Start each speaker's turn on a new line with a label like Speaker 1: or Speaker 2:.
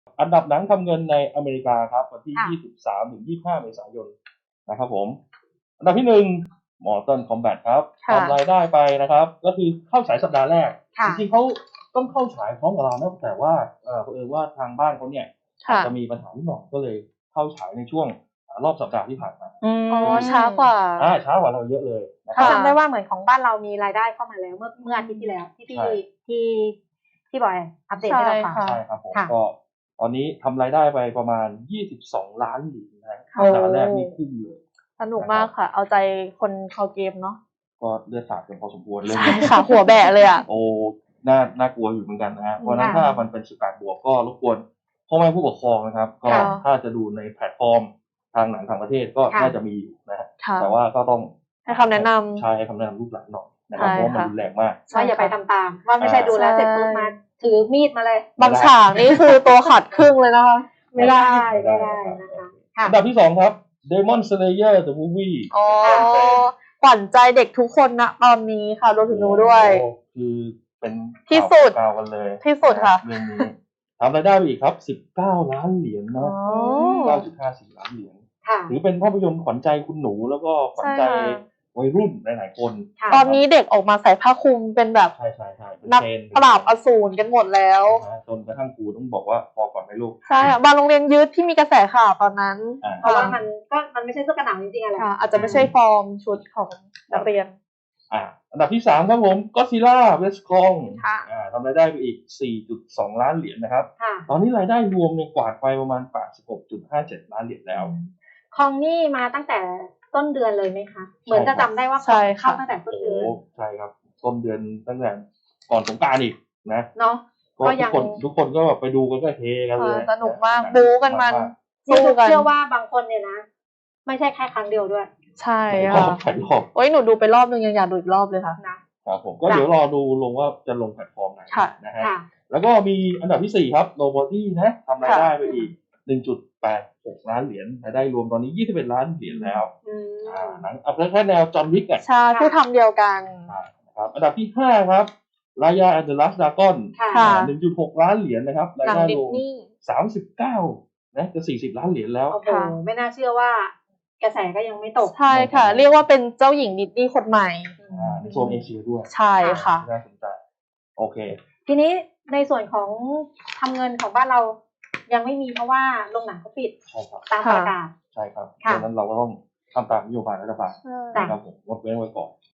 Speaker 1: อันดับหนังทำเงินในอเมริกาครับวันที่
Speaker 2: ค่ะ
Speaker 1: 23 ถึง 25 เมษายนนะครับผมอันดับที่ 1 Mortal Kombat ครับ
Speaker 3: ค่ะ
Speaker 1: ทำรายได้ไปนะครับก็คือเข้าฉายสัปดาห์แรก
Speaker 2: ค่ะ
Speaker 1: จริงๆเขาต้องเข้าฉายพร้อมกับเรานะแต่ว่าเผอิญว่าทางบ้านเขาเนี่ยอาจ
Speaker 3: ค่ะ
Speaker 1: จะมีปัญหานิดหน่อยก็เลยเข้าฉายในช่วงรอบสัปดาห์ที่ผ่านมา
Speaker 3: อ๋อช้ากว่า
Speaker 1: ช้ากว่าเราเยอะเลยนะค
Speaker 2: เขา
Speaker 1: รับ
Speaker 2: จำได้ว่าเหมือนของบ้านเรามีรายได้เข้ามาแล้วเมื่ออาทิตย์ที่แล้วที่
Speaker 1: ใช่
Speaker 2: ที่บอยอัปเดตให้เราฟัง
Speaker 3: ใช่ค่ะ
Speaker 1: ใช่ครับผม
Speaker 2: ค่ะ
Speaker 1: ก็ตอนนี้ทำรายได้ไปประมาณ22 ล้านเหรียญนะ
Speaker 3: โอ้
Speaker 1: สัปดาห์แรกนี่พุ่งเลย
Speaker 3: สนุกมากค่ะ เอาใจคนเขาเกมเนาะ
Speaker 1: ก็เลือดสาดกันพอสมควรเลย
Speaker 3: ใช่ค่ะ หัวแบะเลยอ่ะ
Speaker 1: โอ้น่ากลัวอยู่เหมือนกันนะฮะเพราะฉะนั้น
Speaker 2: ค่ะ
Speaker 1: ถ้ามันเป็น18 บวกก็รบกวนพ่อแม่ผู้ปกครองนะครับ ก็
Speaker 3: ค่ะ
Speaker 1: ถ้าจะดูในแพลตฟอร์มทางหนังต่างประเทศก็
Speaker 2: ค่ะ
Speaker 1: น่าจะมีอยู่นะฮะ
Speaker 3: ค่ะ
Speaker 1: แต่ว่าก็ต้อง
Speaker 3: ให้คำแนะนำ
Speaker 1: ใช่ให้คำแนะนำลูกหลานหน่อยนะครับ
Speaker 3: ใช่
Speaker 1: เพราะว่ามัน
Speaker 3: ค่ะ
Speaker 1: รุนแรงมาก
Speaker 2: ว่าอย่าไปทำตามว่าไม่ใช่ดูแล้วเสร็จปุ๊บมาถือมีดมาเลย
Speaker 3: บางฉากนี่คือตัวขาดครึ่งเลยนะคะ ไม่ได้
Speaker 2: ไม่ได้นะคะค่ะ
Speaker 1: อันดับที่ 2 ครับ Demon Slayer the Movie
Speaker 3: อ๋อ ขวัญใจเด็กทุกคนนะตอนนี้ค่ะรวมถึงหนูด้วย
Speaker 1: โอ้คือเป็น
Speaker 3: ที่สุด
Speaker 1: ข่าวกันเลย
Speaker 3: ที่สุดค่ะ
Speaker 1: เรื่องนี้ทำรายได้ไปอีกครับ19 ล้านเหรียญ
Speaker 3: อ๋
Speaker 1: นะ
Speaker 3: อ
Speaker 1: 9.54 ล้านเหรียญ
Speaker 2: ค่ะ
Speaker 1: ถือเป็นภาพยนตร์ขวัญใจคุณหนูแล้วก็ขวัญใจ
Speaker 3: ใช่ค่ะ
Speaker 1: วัยรุ่นหลายๆคน
Speaker 2: ค่ะ
Speaker 3: ตอนนี้เด็กออกมาใส่ผ้าคลุมเป็นแบบ
Speaker 1: ใช่เป็น
Speaker 3: นัก
Speaker 1: เทรนด์
Speaker 3: ปราบอสูรกันหมดแล้ว
Speaker 1: นะจนกระทั่งครูต้องบอกว่าพอก่อนไหมลูก
Speaker 3: ใช่ค่ะบางโรงเรียนยืดที่มีกระแสข่าวตอนนั้น
Speaker 2: เพราะว่ามันไม่ใช่เสื้อกันหนาวจริงๆอะไร
Speaker 3: ค่ะ อาจจะไม่ใช่ฟอร์มชุดของนักเรียน
Speaker 1: อันดับที่ 3 ครับผม Godzilla vs Kong
Speaker 3: ค่ะ
Speaker 1: ทำรายได้ไปอีก 4.2 ล้านเหรียญนะครับ
Speaker 2: ค่ะ
Speaker 1: ตอนนี้รายได้รวมเนี่ยกวาดไปประมาณ 86.57 ล้านเหรียญแล้ว
Speaker 2: คองนี่มาตั้งแต่ต้นเดือนเลยไหมคะ เหมือนจะจำได้ว่า
Speaker 3: ใช่ค่ะ
Speaker 2: เข้าตั้งแต่ต้น
Speaker 1: โอ้
Speaker 2: เดือน
Speaker 1: ใช่ครับ ต้นเดือนตั้งแต่ก่อนสงกรานต์อีกนะ
Speaker 2: เนาะ
Speaker 1: ก็
Speaker 2: ก็
Speaker 1: ทุ
Speaker 2: ยั
Speaker 1: ก
Speaker 2: ง
Speaker 1: คนก็แบบไปดูกันก็เฮกันเลย
Speaker 3: สนุกมากบู๊กันมัน สู้กัน
Speaker 2: เชื่อว่าบางคนเนี่ยนะ ไม่ใช่แค่ครั้งเดียวด้วย
Speaker 3: ใช่
Speaker 1: หลายรอ
Speaker 3: ค่ะ
Speaker 1: บหลายรอบ
Speaker 3: โอ้ยหนูดูไปรอบนึงยังอยากดูอีกรอบเลยค่ะ
Speaker 2: นะครับ
Speaker 1: ผมก็เดี๋ยวรอดูลงว่าจะลงแพลตฟอร์มไหน
Speaker 3: ค่ะ
Speaker 1: นะฮะ
Speaker 2: ค่ะ
Speaker 1: แล้วก็มีอันดับที่ 4 ครับ Nobody นะทำรายได้ไปอีก 1.86 ล้านเหรียญรายได้รวมตอนนี้ 21 ล้านเหรียญแล้ว
Speaker 2: อืม
Speaker 1: หนังเอาแค่แนวจอห์นวิกอ่ะ
Speaker 3: ใช่ผู้ทำเดียวกัน
Speaker 1: นะครับอันดับที่ 5 ครับ Raya and the Last Dragon
Speaker 2: ค่ะ
Speaker 3: ค่ะ
Speaker 1: 1.6 ล้านเหรียญนะครับราย
Speaker 3: หนัง
Speaker 1: ได้
Speaker 3: ดิ
Speaker 1: ร
Speaker 3: ส
Speaker 1: วม
Speaker 3: นีย์
Speaker 1: 39นะจะ40 ล้านเหรียญแล้ว
Speaker 2: โอ้โห
Speaker 3: ค่ะ
Speaker 2: ไม่น่าเชื่อว่ากระแสก็ยังไม่ตก
Speaker 3: ใช่ค่ะ เรียกว่าเป็นเจ้าหญิงดิสนีย์คนใหม่
Speaker 1: ในโซนเอเชียด้วย
Speaker 3: ใช่ค่ะ
Speaker 1: น่าสนใจโอเค
Speaker 2: ทีนี้ในส่วนของทำเงินของบ้านเรายังไม่มีเพราะว่าโรงหนังเขาปิด
Speaker 1: ใช่ครับ
Speaker 2: ตามประกาศ
Speaker 1: ใช่ครับ
Speaker 2: ค่ะ
Speaker 1: ดังนั้นเราก็ต้องทำตามนโยบายรัฐบาล
Speaker 2: จ้ะ
Speaker 1: นะครับผมงดเว้นไว้ก่อน